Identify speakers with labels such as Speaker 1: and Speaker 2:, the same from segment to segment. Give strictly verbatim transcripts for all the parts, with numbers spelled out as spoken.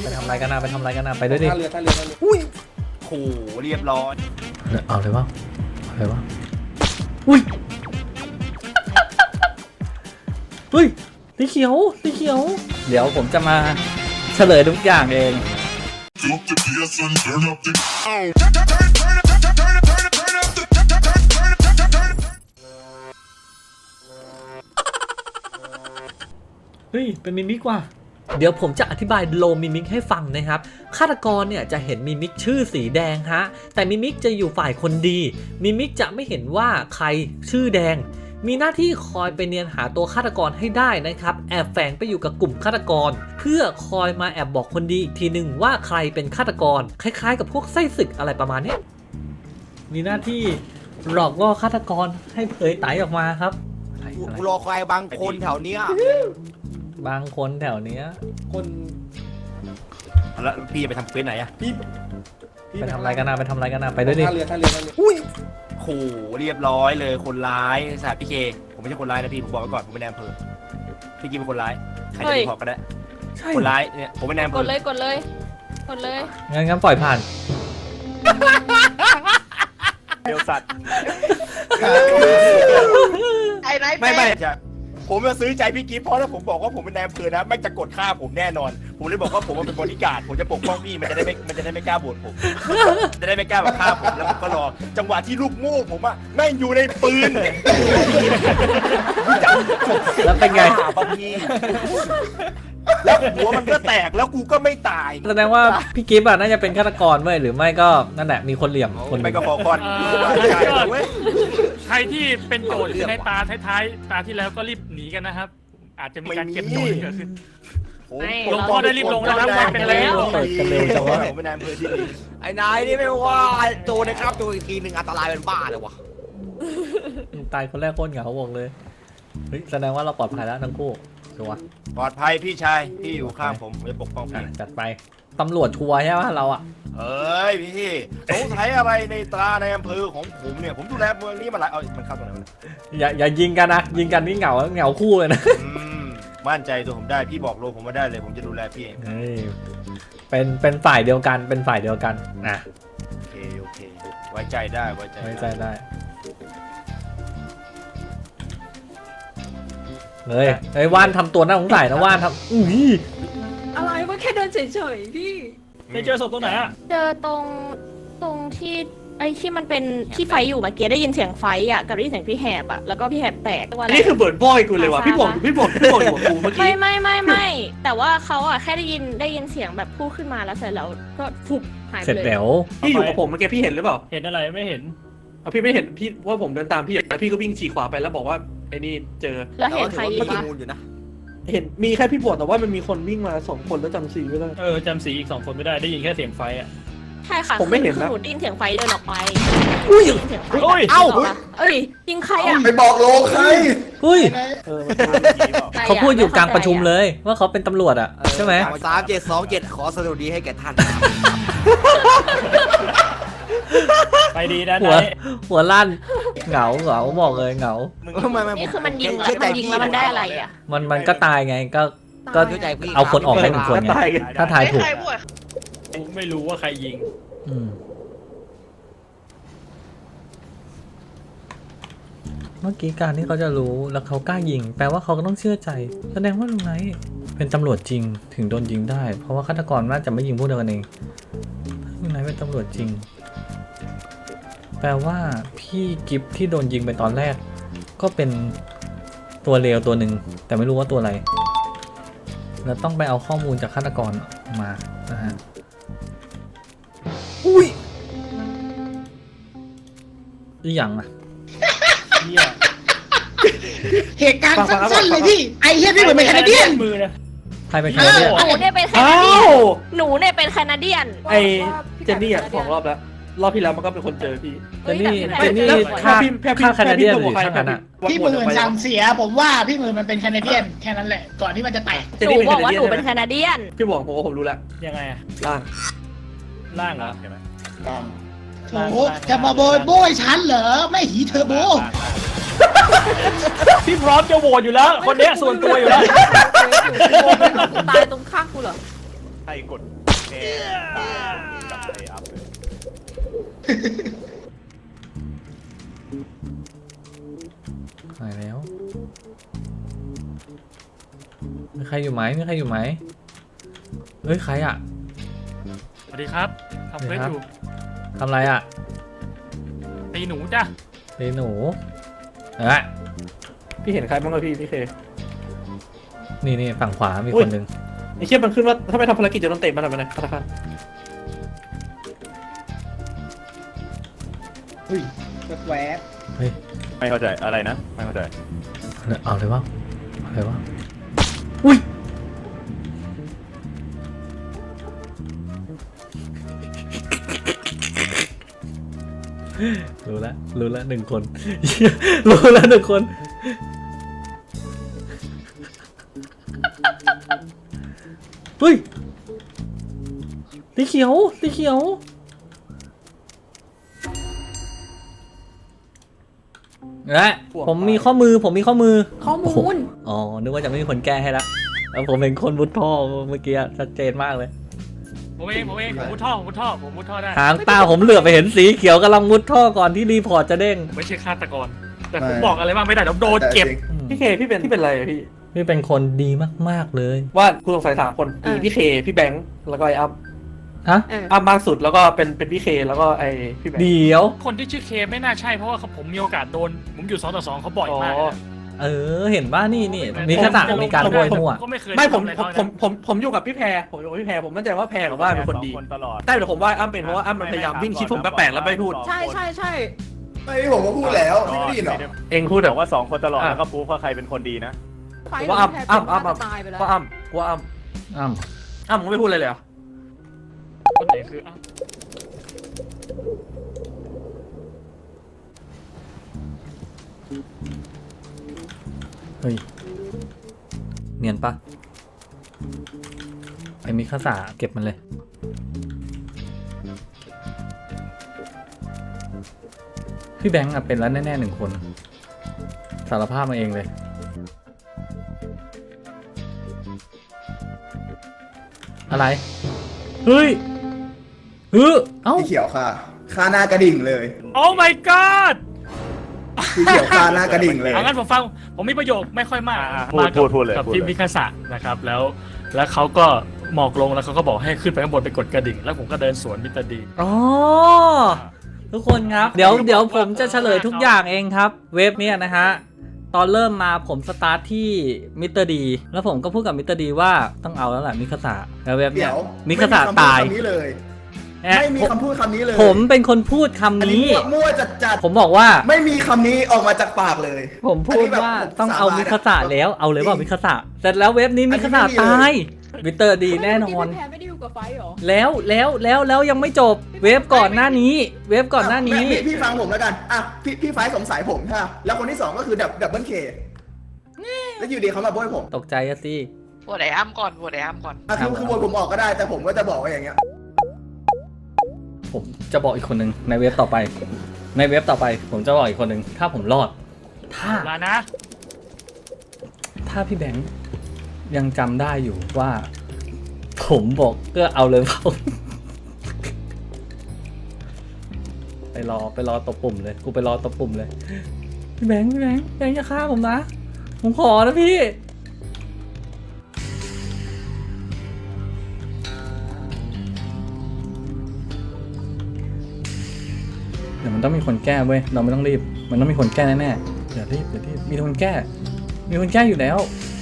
Speaker 1: ไปทำอะไรกันนะไปทำอะไรกันนะไปด้วยดิ
Speaker 2: ท่าเรือท่าเรือท่าเรือ
Speaker 1: อุ้ย
Speaker 3: โหเรียบร้อย
Speaker 1: เอาเลยวะเอาเลยวะอุ้ยเฮ้ยสีเขียวสีเขียวเดี๋ยวผมจะมาเฉลยทุกอย่างเองเฮ้ยเป็นมิมิกว่ะเดี๋ยวผมจะอธิบายโลมิมิกให้ฟังนะครับฆาตกรเนี่ยจะเห็นมิมิกชื่อสีแดงฮะแต่มิมิกจะอยู่ฝ่ายคนดีมิมิกจะไม่เห็นว่าใครชื่อแดงมีหน้าที่คอยไปเนียนหาตัวฆาตกรให้ได้นะครับแอบแฝงไปอยู่กับกลุ่มฆาตกรเพื่อคอยมาแอบบอกคนดีอีกทีหนึ่งว่าใครเป็นฆาตกรคล้ายๆกับพวกไส้ศึกอะไรประมาณนี้มีหน้าที่หลอกล่อฆาตกรให้เผยไตออกมาครับอะไรอะไร
Speaker 3: กูรอใครบางคนแถวเนี้ย
Speaker 1: บางคนแถวเนี้ย
Speaker 2: คน
Speaker 3: แล้วพี่จะไปทำเควสไหนอะ
Speaker 2: พี่พี่
Speaker 1: ไปทำอะไรกันนะไปทำอะไรกันนะไปด้วยดิ
Speaker 2: ท่าเรือท่าเรือท่าเรือ
Speaker 1: อุ้ย
Speaker 3: โหเรียบร้อยเลยคนร้ายสาพี่เคผมไม่ใช่คนร้ายนะพี่ผมบอกไว้ก่อนผมเป็นนายอำเภอพี่กินเป็นคนร้ายใครจะรีพอร์ตก็ได้
Speaker 1: ใช่
Speaker 3: คนร้ายเนี่ยผมเป็นนายอำเภ
Speaker 4: ก
Speaker 3: อ
Speaker 4: ดเลยกดเลยกดเลย
Speaker 1: งั้นงั้นปล่อยผ่าน
Speaker 3: เดียวสัตว์
Speaker 4: ไอ้ไหน
Speaker 3: ไม่ไม่จะผมจะซื้อใจพี่กิฟต์เพราะถ้าผมบอกว่าผมเป็นนายอำเภอนะไม่จะกดฆ่าผมแน่นอน ผมเลยบอกว่าผมเป็นบริการดผมจะปกป้องพี่มันจะได้ไม่มันจะได้ไม่กล้าโบดผมจะได้ไม่กล้ามาฆ่าผมแล้วผมก็รอจังหวะที่ลูกโม่ผมอะแม่งอยู่ในปืน
Speaker 1: แล้วเป็นไง
Speaker 3: ฆ่าปะพี่แล้วหัวมันก็แตกแล้วกูก็ไม่ตาย
Speaker 1: แสดงว่าพี่กิฟต์อ่ะน่าจะเป็นฆาตกรเว้ยหรือไม่ก็นั่นแหละมีคนเหลี่ยมคนห
Speaker 3: ไป
Speaker 1: นึ่ง
Speaker 3: กับฟอคอน
Speaker 5: ใช่
Speaker 3: ใช่เว้ย
Speaker 5: ใครที่เป็นโจทย์ในตาท้ายๆตาที่แล้วก็รีบหนีกันนะครับ อาจจะมีการเก็บโจทย์เกิดขึ้น ลงโทษได้รีบลงนะครับวันเป็นแล้ว
Speaker 1: เปิดกันเร็วจังวะ
Speaker 3: ผมเป็นนายอำเภอที่ดี
Speaker 6: ไอ้นายนี่ไม่ว่าโจนะครับโจอีกทีหนึ่งอันตรายเป็นบ้าเลยวะ
Speaker 1: ตายคนแรกโคตรเหงาบอกเลยเฮ้ยแสดงว่าเราปลอดภัยแล้วทั้งคู่ชัวร์
Speaker 3: ปลอดภัยพี่ชายพี่อยู่ข้างผมผมจะปกป้อง
Speaker 1: อ่ะ
Speaker 3: พี่
Speaker 1: จัดไปตำรวจชัวร์ใช่ไหมเราอ่ะ
Speaker 3: เอ้ยพี่สงสัยอะไรในตราในอำเภอของผมเนี่ยผมดูแลเมืองนี้มาหลายเอามันเข้าตรงไหนวะ
Speaker 1: อย่าอย่ายิงกันนะยิงกันนี่เหงาเหงาคู่เลยนะ
Speaker 3: อืมมั่นใจตัวผมได้พี่บอกโลผมมาได้เลยผมจะดูแลพี่เอง
Speaker 1: เฮ้ยเป็นเป็นฝ่ายเดียวกันเป็นฝ่ายเดียวกันอ่ะ
Speaker 3: โอเคโอเคไว้ใจได้ไว้ใจ
Speaker 1: ไว้ใจได้เฮ้ยเฮ้ยว่านทำตัวน่าสงสัยนะว่านทำอุ้ย
Speaker 4: อะไรวะแค่เดินเฉยๆพี่
Speaker 5: ไปเจอศพตรงไหนอ่ะ
Speaker 4: เจอตรงตรงที่ไอ้ที่มันเป็นที่ไฟอยู่เมื่อกี้ได้ยินเสียงไฟอ่ะกับได้ยินเสียงพี่แหบอ่ะแล้วก็พี่แหบแตกว่าอะไร
Speaker 6: นี่คือเบิร์ดบอยกูเลยว่ะพี่บอกพี่บอกพี่บอกอยู่กับกูเมื่อ
Speaker 4: ไม่
Speaker 6: กี้
Speaker 4: ไม่ไม่ไม่แต่ว่าเขาอ่ะแค่ได้ยินได้ยินเสียงแบบพูดขึ้นมาแล้วเสร็จแล้วก็ฟุบหายไป
Speaker 1: เสร็จ
Speaker 4: เลย
Speaker 1: แล้ว
Speaker 6: พี่อยู่กับผมเมื่อกี้พี่เห็นหรือเปล่า
Speaker 5: เห็นอะไรไม่เห็น
Speaker 6: เอาพี่ไม่เห็นพี่ว่าผมเดินตามพี่แล้วพี่ก็วิ่งฉีกขวาไปแล้วบอกว่าไอ้นี่เจอ
Speaker 4: แล้วเห็นใครอีกปะ
Speaker 6: เห็นมีแค่พี่บวชแต่ว่ามันมีคนวิ่งมาสองคนแล้วจำสีไม่ได้
Speaker 5: เออจำสีอีกสองคนไม่ได้ได้ยินแค่เสียงไฟอ่ะ
Speaker 4: ใช่ค่ะ
Speaker 6: ผมไม่เห็น
Speaker 4: คือ
Speaker 6: นะ
Speaker 4: หนูได้ยินเสียงไฟเดินออกไปได้ยินเสียงไฟ
Speaker 5: โอ้ย
Speaker 4: เอ้าเอ้ยยิงใครอ่ะ
Speaker 2: ไปบอกโลใคร
Speaker 1: เฮ้ย
Speaker 6: เออ
Speaker 1: เขาพูดอยู่กลางประชุมเลยว่าเขาเป็นตำรวจอ่ะใช่ไหม
Speaker 6: สามเจ็ดสองเจ็ดขอสวัสดีให้แก่ท่าน
Speaker 5: ไปดีนะ
Speaker 1: หัว
Speaker 5: นาย
Speaker 1: หัวลั่นเหงาเหงาบอกเลยเหงา
Speaker 4: นี่คือมันยิงแล้วมันยิงแล้วมันได้อะไรอ่ะ
Speaker 1: มันมันก็ตายไงก็ก็
Speaker 6: เข้าใจพี่
Speaker 1: เอาคนออกให้หนึ่งคนไง
Speaker 6: ตายกัน
Speaker 1: ถ้าทายถูก
Speaker 5: ไม่รู้ว่าใครยิง
Speaker 1: อืมเมื่อกี้การที่เขาจะรู้แล้วเขากล้ายิง แปลว่าเขาก็ต้องเชื่อใจ แสดงว่าลุงไนท์เป็นตำรวจจริงถึงโดนยิงได้ เพราะว่าฆาตกรน่าจะไม่ยิงพวกเดียวกันเองลุงไนท์เป็นตำรวจจริง แปลว่าพี่กิฟที่โดนยิงไปตอนแรก ก็เป็นตัวเลวตัวหนึ่งแต่ไม่รู้ว่าตัวอะไรเราต้องไปเอาข้อมูลจากฆาตกรมานะฮะอุ้ยอีหยังอะ
Speaker 5: เฮีย
Speaker 7: เหตุการณ์สั้นๆเลยพี่ ไอ้เฮียพี่เหมือนเป็นแคนาเดียน
Speaker 5: มือนะ
Speaker 1: ใครเป็นใครเนี่ย
Speaker 4: หนูเนี่ยเป็นแค
Speaker 6: อ้า
Speaker 4: นาเดียน
Speaker 6: ว
Speaker 4: หนูเนี่ยเป็นแคนาเดียน
Speaker 6: ไอเจนนี่อ่ะสองรอบแล้วรอบที่แล้วมันก็เป็นคนเจอพี่
Speaker 1: เจนนี่
Speaker 4: เฮ้
Speaker 1: เจ
Speaker 4: ย
Speaker 1: นนี่
Speaker 4: แต่
Speaker 1: ฆ่า
Speaker 6: พี่แค่พี่
Speaker 1: ฆ่าแคนาเดียนห
Speaker 6: แค่
Speaker 1: รือ
Speaker 6: พี่
Speaker 1: ฆ่ากันอะ
Speaker 7: พี่หมื่นสั่งเสีย ผมว่าพี่หมื่นมันเป็นแคนาเดียนแค่นั้นแหละ ก่อนที่มันจะแตก
Speaker 6: เจน
Speaker 4: หนู
Speaker 6: นี่เป็น
Speaker 4: บอกว่าหนู
Speaker 6: แค
Speaker 4: เป็น
Speaker 6: นา
Speaker 4: แคนาเดียน
Speaker 6: พี่บอกผมว่าผมรู้แล้ว
Speaker 5: ยังไงอะ
Speaker 6: ล่าง
Speaker 5: ล่างเหรอใช่ไหม
Speaker 7: โอ้โหจะมาโบยโบยฉันเหรอ ไม่หีเทอร์โบ
Speaker 5: พี่พร้อมจะโหวตอยู่แล้ว คนเนี้ยส่วนตัวอยู่แล้ว
Speaker 4: ตายตรงข้างกูเหรอ
Speaker 3: ใครกดแม่ตายกับไอ้อัพเลย
Speaker 1: หายแล้วมีใครอยู่ไหมมีใครอยู่ไหมเฮ้ยใครอ่ะ
Speaker 5: สวัสดีครับทำเฟซอยู่
Speaker 1: ทำอะไรอ่ะ
Speaker 5: ตีหนูจ้ะ
Speaker 1: เฮ้ยหนูเอ้ย
Speaker 6: พี่เห็นใครบ้างเลยพี่พี่เค
Speaker 1: นี่นี่ฝั่งขวามี
Speaker 6: อุ๊
Speaker 1: ค
Speaker 6: ย
Speaker 1: นหนึ่ง
Speaker 6: ไอ้เชี่ยมันขึ้นว่าถ้าไม่ทำภารกิจจะโดนเตะมาทำไมนะธนาคาร
Speaker 7: อุ้ยแวบ
Speaker 1: เฮ้ย
Speaker 3: ไม่เข้าใจอะไรนะไม่เข้าใจ
Speaker 1: เอาเลยว่าเอาเลยว่าอุ้ยรู้แล้วรู้แล้วหนึ่งคน รู้แล้วหนึ่งคนเฮ้ยสีเขียวสีเขียวและผมมีข้อมือผมมีข้อมือ
Speaker 4: ข้อมูล
Speaker 1: อ๋อ นึกว่าจะไม่มีคนแก้ให้ละแล้วผมเป็นคนมุดท่อเมื่อกี้ชัดเจนมากเลย
Speaker 5: ผมเองผมเองผมมุดท่อผมมุดท่อผมมุดท่อได้
Speaker 1: หางตาผมเหลือบไปเห็นสีเขียวกำลังมุดท่อก่อนที่รีพอร์ตจะเด้ง
Speaker 5: ผมไม่ใช่ฆาตกร แต่ผมบอกอะไรบ้างไม่ได้เดี๋ยวโดนเก็บ
Speaker 6: พี่เคพี่เป็นพี่เป็นอะไรอะพี่
Speaker 1: พี่เป็นคนดีมากๆเลย
Speaker 6: ว่าคุณสงสัยสามคนมีพี่เคพี่แบงค์แล้วก็ไอ้อัพ
Speaker 1: ฮะ
Speaker 4: เออ
Speaker 6: อัพมากสุดแล้วก็เป็นเป็นพี่เคแล้วก็ไอ้พี่แบงค์
Speaker 1: เดี๋ยว
Speaker 5: คนที่ชื่อเคไม่น่าใช่เพราะว่าผมมีโอกาสโดน ผมอยู่สองต่อสองเขาบ่อยมาก
Speaker 6: อ๋อ
Speaker 5: นะ
Speaker 1: เออ เห็นว่านี่นี่มีขนาดมีการโวยมั่ว
Speaker 5: ก็ไม่เคย
Speaker 6: ไม่ผม
Speaker 5: ทำอะไร
Speaker 6: ผม
Speaker 5: เขานะ
Speaker 6: ผมผมผมอยู่กับพี่แพรผมอยู่กับพี่แพรผมมั่นใจว่าแพรกับว่าเป็นคนดี
Speaker 3: คนตลอด
Speaker 6: ใช่แต่ผมว่าอ้ำเป็นเพราะว่าอ้ำมันพยายามวิ่งชิดผมแปลกๆแล้วไม่พูด
Speaker 4: ใช่ใช่ใช่
Speaker 2: ไม่ผมก็พูดแล้วไม่ได้ยินหรอ
Speaker 6: เองพูด
Speaker 3: บ
Speaker 6: แต่
Speaker 3: อก
Speaker 6: ว่า
Speaker 3: ว่าสองคนตลอดแล้วก็พูดว่าใครเป็นคนดีนะ
Speaker 4: ไฟ
Speaker 6: ผมว่าอ้ำอ้ำอ้ำ
Speaker 4: อ้ำ
Speaker 6: อ้ำ
Speaker 4: ตายไปแล้ว
Speaker 6: ว่าอ้ำว่าอ้ำ
Speaker 1: อ้าว
Speaker 6: อ้ำมึงไม่พูดเลยเลยเหรอ
Speaker 5: คนไหนคืออ้าว
Speaker 1: เฮ้ย เนียนปะไอ้มิคาสาเก็บมันเลย พี่แบงค์อะเป็นแล้วแน่ๆหนึ่งคน สารภาพมาเองเลย อะไร เฮ้ยเฮ้ยเอ้า
Speaker 2: สีเขียวค่ะคาหน้ากระดิ่งเลย
Speaker 5: โอ้ my god
Speaker 2: สีเขียวคาหน้ากระดิ่งเลย
Speaker 5: เอางั้นผมฟังผมมีประโยคไม่ค่อยมาก
Speaker 3: อ่าพูด
Speaker 5: มากับ
Speaker 3: พูดพูดเลย
Speaker 5: กับ
Speaker 3: พูด
Speaker 5: พี่
Speaker 3: เลย
Speaker 5: มิคาสะนะครับแล้ว แล้วเขาก็หมอกลงแล้วเขาก็บอกให้ขึ้นไปข้างบนไปกดกระดิ่ง แล้วผมก็เดินสวนมิสเตอร์ดี
Speaker 1: อ๋อ ทุกคนครับ เดี๋ยวเดี๋ยวผมจะเฉลยทุกอย่างเองครับ เว็บเนี้ยนะฮะ ตอนเริ่มมาผมสตาร์ทที่มิสเตอร์ดีแล้วผมก็พูดกับมิสเตอร์ดีว่าต้องเอาแล้วแหละมิคาสะแล้วเว็บเนี้
Speaker 2: เดี๋
Speaker 1: ย
Speaker 2: ยว
Speaker 1: มิคาสะตาย
Speaker 2: ไม่มีคำพูดคำนี้เลย
Speaker 1: แอะ
Speaker 2: ไม่มีคำพูดคำนี้เลย
Speaker 1: ผมเป็นคนพูดคำ
Speaker 2: อันนี้
Speaker 1: นี้
Speaker 2: มั่วมั่วจัดจัด
Speaker 1: ผมบอกว่า
Speaker 2: ไม่มีคำนี้ออกมาจากปากเลย
Speaker 1: ผมพูดว่าต้องเอามิคาสะแล้วเอาเลยว่ามิคาสะเสร็จแล้วเว็บนี้มิคาสะตายมิสเตอร์ดีแน่นอน
Speaker 4: พี่แพรไม่ได้อยู่กับไฟเหรอ
Speaker 1: แล้วแล้วแล้วแล้วยังไม่จบเว็บก่อนหน้านี้ เว็บก่อนหน้านี้
Speaker 2: พี่พี่ฟังผมแล้วกันอ่ะพี่พี่ไฟสงสัยผมค่ะแล้วคนที่สองก็คือดับดับเบิลเคแล้วอยู่ดีเขามาโบยผม
Speaker 1: ตกใจอะสิ
Speaker 8: โหวตไอ้อ้ำก่อนโหวตไอ้อ้ำก่อน
Speaker 2: อ่ะคือคือโบยผมออกก็ได้แต่ผมก็จะบอกว่าอย่างเงี้ย
Speaker 1: ผมจะบอกอีกคนหนึ่งในเว็บต่อไป ในเว็บต่อไป ผมจะบอกอีกคนหนึ่งถ้าผมรอด ถ้า
Speaker 5: ลานะ
Speaker 1: ถ้าพี่แบงค์ยังจำได้อยู่ว่า ผมบอกก็เอาเลยเปล่า ไปรอไปรอตบปุ่มเลย กูไปรอตบปุ่มเลย พี่แบงค์พี่แบงค์แบงค์อย่าฆ่าผมนะ ผมขอนะพี่ เดี๋ยวมันต้องมีคนแก้เว้ย เราไม่ต้องรีบ มันต้องมีคนแก้แน่ๆอย่ารีบอย่ารีบ มีคนแก้ มีคนแก้อยู่แล้ว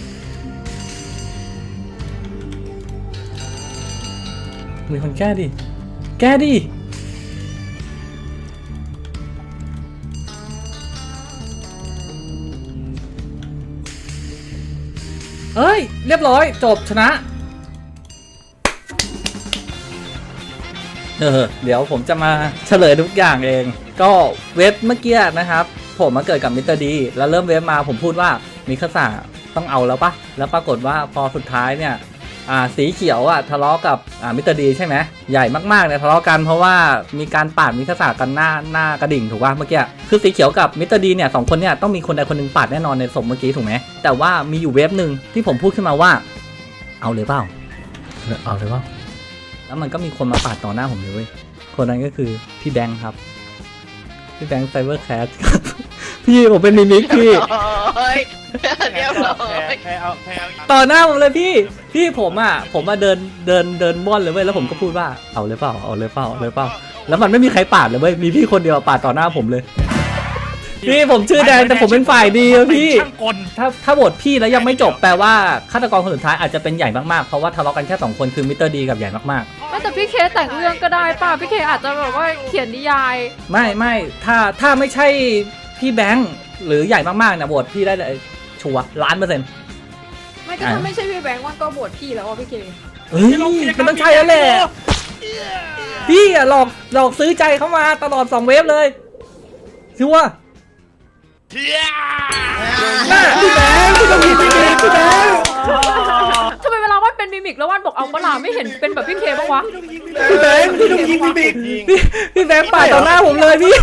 Speaker 1: มีคนแก้ดิ แก้ดิ เอ้ย เรียบร้อย จบชนะ เออ เดี๋ยวผมจะมาเฉลยทุกอย่างเอง ก็เว็บเมื่อกี้นะครับ ผมมาเกิดกับมิสเตอร์ดีแล้วเริ่มเว็บมาผมพูดว่ามิคาสะต้องเอาแล้วปะแล้วปรากฏว่าพอสุดท้ายเนี่ย อ่าสีเขียวอ่ะทะเลาะกับอ่ามิสเตอร์ดีใช่ไหมใหญ่มากๆเนี่ยทะเลาะกันเพราะว่ามีการปาดมิคาสะกันหน้าหน้ากระดิ่งถูกป่ะเมื่อกี้คือสีเขียวกับมิสเตอร์ดีเนี่ยสองคนเนี่ยต้องมีคนใดคนหนึ่งปาดแน่นอนในศพเมื่อกี้ถูกไหมแต่ว่ามีอยู่เว็บหนึ่งที่ผมพูดขึ้นมาว่า เอาเลยเปล่าเอาเลยว่าแล้วมันก็มีคนมาปาดต่อหน้าผมเลยเว้ยคนนั้นก็คือพี่แบงค์ครับพี่แบงค์ไซเบอร์แคสครับพี่ผมเป็นมิมิกพี่
Speaker 8: โอ้ยเรียบร้อย
Speaker 3: แค่เอาแค่เอา
Speaker 1: ต่อหน้าผมเลยพี่พี่ผมอ่ะผมมาเดินเดินเดินม่อนเลยเว้ยแล้วผมก็พูดว่าเอาเลยเปล่าเอาเลยเปล่าเอาเลยเปล่าแล้วมันไม่มีใครปาดเลยเว้ยมีพี่คนเดียวปาดต่อหน้าผมเลย พี่ผมชื่อแดงแต่ผมเป็นฝ่ายดีอะพี่
Speaker 5: ช่างกล
Speaker 1: ถ้าถ้าโหวตพี่แล้วยังไม่จบแปลว่าฆาตกรคนสุดท้ายอาจจะเป็นใหญ่มากๆเพราะว่าทะเลาะกันแค่สองคนคือมิสเตอร์ดีกับใหญ่มาก
Speaker 9: ไม่แต่พี่เคแต่งเรื่องก็ได้ป่ะพี่เคอาจจะแบบว่าเขียนนิยาย
Speaker 1: ๆไม่ไม่ถ้าถ้าไม่ใช่พี่แบงค์หรือใหญ่มากๆนะโหวตพี่ได้เลยชัวร์ล้านเปอร์เซ็นต์
Speaker 9: ไม่ก็ถ้าไม่ใช่พี่แบงค์ว่าก็บวชพี่แล้วอ่ะพี่เค
Speaker 1: เฮ้ยมันต้องใช่แล้วแหละพี่อะหลอกหลอกซื้อใจเข้ามาตลอดสองเวฟเลยชัวร์น่าพี่แบงค์พี่ต้องมีพี่แบงค์พี่แบงค์
Speaker 9: ทำไมเวลาว่านเป็นมิมิกแล้วว่านบอกเอาเปล่าไม่เห็นเป็นแบบพี่เคบ้างวะ
Speaker 1: พี่แบงค์พี่ต้องยิงพี่บิ๊กพี่พี่แบงค์ปาดต่อหน้าผมเลยพี่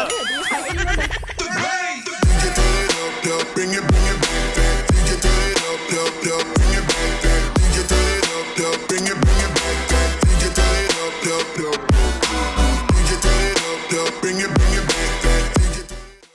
Speaker 10: Bring it, bring it back, back. D J turn it up, up, up. Bring it back, back. D J turn it up, up. Bring it, bring it back, back. D J turn it up, up, up.